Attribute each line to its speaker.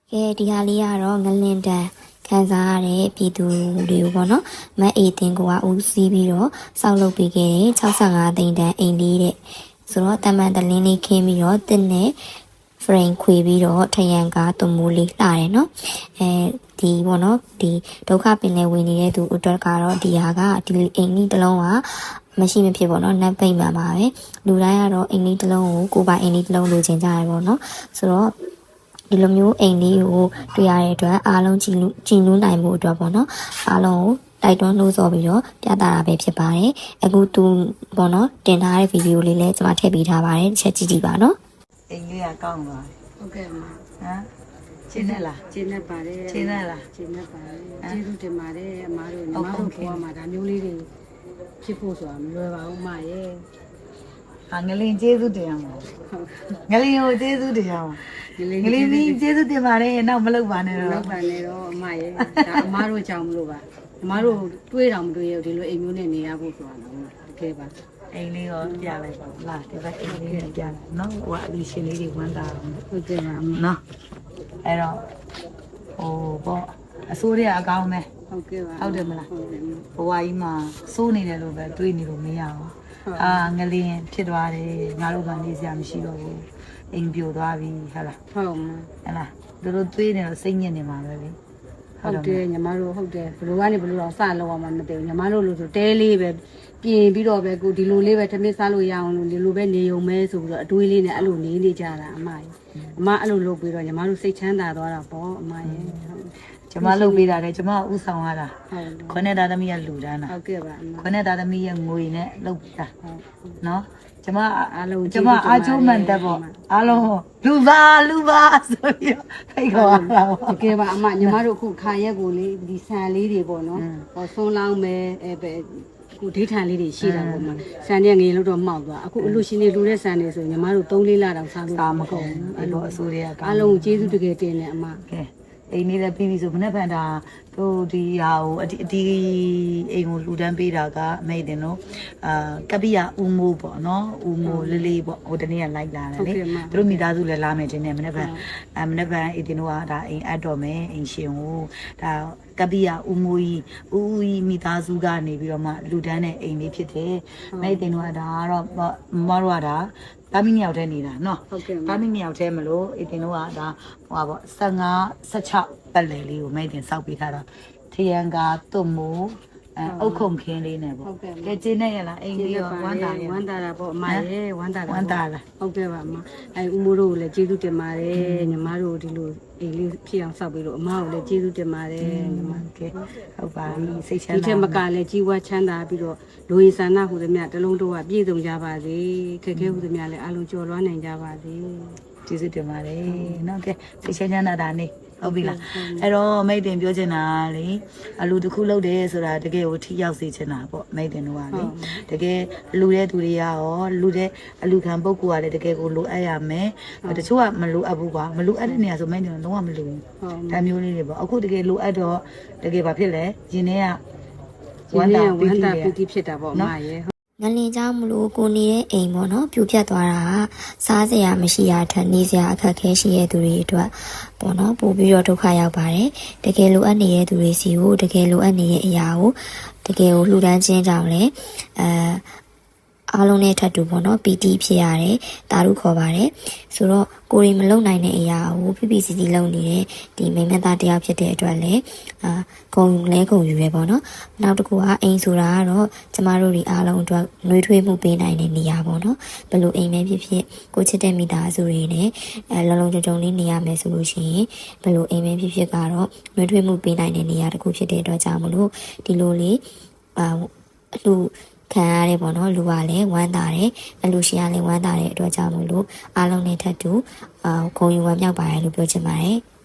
Speaker 1: ကဲဒီဟာလေးကတော့ငလင်တန်ခံစားရတဲ့ပြည်သူတွေကိုပေါ့နော်မတ်အေးတင်ကဦးစီးပြီးတော့စောက်လုပ်ပေးခဲ့တဲ့65သိန်းတန်အိမ်လေးတဲ့ဆိုတော့တမန်တလင်းလေးခင်းပြီးတော့တင်းနဲ့ frame ခွေပြီးတော့ထရန်ကားသွမိုးလေးလှတယ်နော်ဒီပေါ့နော်ဒီဒုက္ခပင်လဲဝင်နေတဲ့သူအတွက်ကတော့ဒီဟာကဒီအိမ်ကြီးတစ်လုံးကမရှိမဖြစ်ပေါ့နော်နတ်ပိတ်မှန်ပါပဲလူတိုင်းကတော့အိမ်ကြီးတစ်လုံးကိုကိုပိုင်အိမ်ကြီးတစ်လုံးလိုချင်ကြရပေါ့နော်ဆိုတော့ဒီလိုမျိုးအိမ်လေးကိုတွေ့ရတဲ့အတွက်အားလုံးကြည်နူးနိုင်မှုအတွက်ပေါ့နော်အားလုံးကိုတိုက်တွန်းလို့ဆိုပြီးတော့ပြသတာပဲဖြစ်ပါတယ်အခုသူပေါ့နော်တင်ထားတဲ့ဗီဒီယိုလေးလည်းကျွန်မထည့်ပေးထားပါတယ်တစ်ချက်ကြည့်ကြည့်ပါနော်
Speaker 2: အိမ်လေးကကောင်းသွား
Speaker 3: ဟုတ်ကဲ့ပါ
Speaker 2: ဟမ်ရှင်းနေလား
Speaker 3: ရှင်းနေပါတယ်
Speaker 2: ရှင်းနေလား
Speaker 3: ရှင်းနေပါတယ်ကျေးဇူးတင်ပါတယ်အမားတို့ညီမတို့ဘဝမှာဒါမျိုးလေးတွေဖြစ်ဖို့ဆိုတာမလွယ်ပါဘူးမရဲ့
Speaker 2: ငလင်ကျေးဇူးတင်အောင်ငလင်ကိုကျေးဇူးတင်အောင်ငလင်ကြီးကျေးဇူးတင်ပါတယ်နောက်မလုပ်ပါနဲ့တော့
Speaker 3: လောက်ပါနဲ့တော့အမရဲ့ဒါအမားတို့ကြောင့်မလို့ပါအမားတို့တွေးတော်မတွေးရဒီလိုအိမ်မျိုးနဲ့နေရဖို့ဆိုတာတော့တကယ်ပါ
Speaker 2: အိမ်လေးရောပြလိုက်ပါလားဒီဘက်အိမ်လေးနဲ့ပြလိုက်နော်ဟိုကအလူရှင်လေးတွေဝမ်းသာအောင်
Speaker 3: ဟုတ်ကဲ့ပါ
Speaker 2: နော်အဲ့တော့ဟိုပေါ့အစိုးရအကောင်းပဲ
Speaker 3: ဟုတ်ကဲ့ပါ
Speaker 2: ဟုတ်တယ်မလားဘဝကြီးမှာစိုးနေတယ်လို့ပဲတွေးနေလို့မရဘူးငလင်းဖြစ်သွားတယ်ငါတို့ကနေစရာမရှိတော့ဘူးအိမ်ပြိုသွားပြီဟုတ်လား
Speaker 3: ဟုတ်
Speaker 2: လားတို့တွေးနေတော့စိတ်ညစ်နေမှာပဲလေ
Speaker 3: ဟုတ်တယ်ညီမတို့ဟုတ်တယ်ဘယ်လိုကနေဘယ်လိုတော့စလောက်အောင်မသိဘူးညီမတို့လို့ဆိုတဲလေးပဲပြင်ပြီးတော့ပဲကိုဒီလိုလေးပဲထမင်းစားလို့ရအောင်လို့ဒီလိုပဲနေုံမဲဆိုပြီးတော့အတွေးလေးနဲ့အဲ့လိုနေနေကြတာအမကြီးအမအဲ့လိုလုပ်ပြီးတော့ညီမတို့စိတ်ချမ်းသာသွားတာပေါ့အမရဲ့
Speaker 2: ကျမလုပ်ပေးတာလေကျမဥဆောင်ရတာခွနဲ့သားသမီးကလူတန်းတာ
Speaker 3: ဟုတ်ကဲ့ပါ
Speaker 2: ခွနဲ့သားသမီးရဲ့ငွေနဲ့လုပ်ပေးတာနော်ကျမအားလုံးကျမအားချိုးမှန်တယ်ပေါ့အားလုံးလူပါဆိုပြီးဖိတ်ခေါ်တာပေါ့
Speaker 3: တကယ်ပါအမညီမတို့အခုခါရက်ကိုလေဒီဆန်လေးတွေပေါ့နော်ဟောဆွန်းလောင်းမယ်ပဲခုဒိဋ္ဌာန်လေးတွေရှိတာပေါ့မှာဆန်တဲ့ငယ်လို့တော့မှောက်သွားအခုအလူရှင်တွေလူတဲ့ဆန်တွေဆိုညီမတို့3-4လတောင်စားလို့
Speaker 2: မကုန်ဘူးအဲ့လိုအစိုးရ
Speaker 3: အားလုံးကျေးဇူးတကယ်တင်တယ်အမ
Speaker 2: ကဲအိမ်လေးလည်းပြီးပြီဆိုမနေ့ဖန်တာတို့ဒီဟာကိုဒီအိမ်ကိုလူတန်းပေးတာကအမိတ်တင်တို့ကပိယဦးမိုးပေါ့နော်ဦးမိုးလေးပေါ့ဟိုတနေ့ကလိုက်လာတယ်လေတို့မိသားစုလည်းလာမယ်တင်တယ်မနေ့ဖန်မနေ့ဖန်အိမ်တင်တို့ကဒါအိမ်အပ်တော်မယ်အိမ်ရှင်ကိုဒါကပိယဦးမိုးကြီးဦးကြီးမိသားစုကနေပြီးတော့မှလူတန်းတဲ့အိမ်လေးဖြစ်တယ်မိတ်တင်တို့ကဒါကတော့မတို့ကဒါတာမီးမြောက်ထဲနေတာနော်တာမီးမြောက်ထဲမလို့အတင်တို့ကဒါဟိုပါပေါ့15-16ပတ်လည်လေးကိုမိတ်တင်စောက်ပေးထားတာထရန်ကာသွတ်မိုးအုတ်ခုံခင်းလေးနဲ့ပေါ့ကဲကျင်းနေရလားအိမ်လေးရောဝမ်းသာ
Speaker 3: တာပေါ့အမရဲ့ဝမ်းသာလားဟုတ်ကဲ့ပါအမဦးမိုးတို့ကိုလည်းကျေးဇူးတင်ပါတယ်ညီမတို့ဒီလိုအိမ်လေးဖြစ်အောင်စောက်ပေးလို့အမကိုလည်းကျေးဇူးတင်ပါတယ်ညီမ
Speaker 2: ကဲဟုတ်ပါပြီစိတ်ချမ်းသာ
Speaker 3: ဒီထက်မကလည်းကြီးဝါချမ်းသာပြီးတော့လူရည်ဆန္ဒဟူသည်မြတလုံးတို့ကပြည့်စုံကြပါစေခက်ခဲဟူသည်မြလည်းအလုံးကျော်လွှမ်းနိုင်ကြပါစေ
Speaker 2: ကျေးဇူးတင်ပါတယ်နော်ကဲစိတ်ချမ်းသာတာနေဟုတ်ပြီလားအဲ့တော့မိတ်တင်ပြောချင်တာလေအလူတစ်ခုလုပ်တယ်ဆိုတာတကယ်ကိုထိရောက်စေချင်တာပေါ့မိတ်တင်တို့ကလေတကယ်လူတဲ့သူတွေကရောလူတဲ့အလူခံပုဂ္ဂိုလ်ကလည်းတကယ်ကိုလိုအပ်ရမယ်တချို့ကမလိုအပ်ဘူးကွာမလိုအပ်တဲ့နေရာဆိုမိတ်တင်လုံးဝမလိုဘူးဒါမျိုးလေးတွေပေါ့အခုတကယ်လိုအပ်တော့တကယ်ဘာဖြစ်လဲရင်ထဲက
Speaker 3: ဝမ်းသာပီတိဖြစ်တာပေါ့အမရဲ့
Speaker 1: ငလင်ကြောင့်မလို့ကိုနေတဲ့အိမ်ပေါ့နော်ပြိုပြတ်သွားတာစားစရာမရှိရထက်နေစရာအခက်ခဲရှိတဲ့သူတွေအတွက်ပေါ့နော်ပို့ပြီးတော့ဒုက္ခရောက်ပါတယ်တကယ်လိုအပ်နေတဲ့သူတွေစီကိုတကယ်လိုအပ်နေတဲ့အရာကိုတကယ်ကိုလှူဒန်းခြင်းကြောင့်လည်းအားလုံးနဲ့ထပ်တူပေါ့နော်ပီတိဖြစ်ရတယ်တာရုခေါ်ပါတယ်ဆိုတော့ကိုရီမလုံနိုင်တဲ့အရာကိုဖိဖိစီစီလုံနေတဲ့ဒီမိမသားတယောက်ဖြစ်တဲ့အတွက်လည်းဂုံယူရဲပေါ့နော်နောက်တစ်ခုကအိမ်ဆိုတာကတော့ကျမတို့ဒီအားလုံးအတွက်နှွေးထွေးမှုပေးနိုင်တဲ့နေရာပေါ့နော်ဘယ်လိုအိမ်ပဲဖြစ်ဖြစ်ကိုချစ်တဲ့မိသားစုတွေနဲ့လုံလုံကြုံလေးနေရမယ်ဆိုလို့ရှိရင်ဘယ်လိုအိမ်ပဲဖြစ်ဖြစ်ကတော့နှွေးထွေးမှုပေးနိုင်တဲ့နေရာတစ်ခုဖြစ်တဲ့အတွက်ကြောင့်မလို့ဒီလိုလေးအလှခံရတယ်ပေါ့နော်လူကလည်းဝမ်းသာတယ်အလူရှင်ကလည်းဝမ်းသာတဲ့အတွက်ကြောင့်မလို့အားလုံးနဲ့ထပ်တူဂုဏ်ယူဝမ်းမြောက်ပါတယ်လို့ပြောချင်ပါတယ်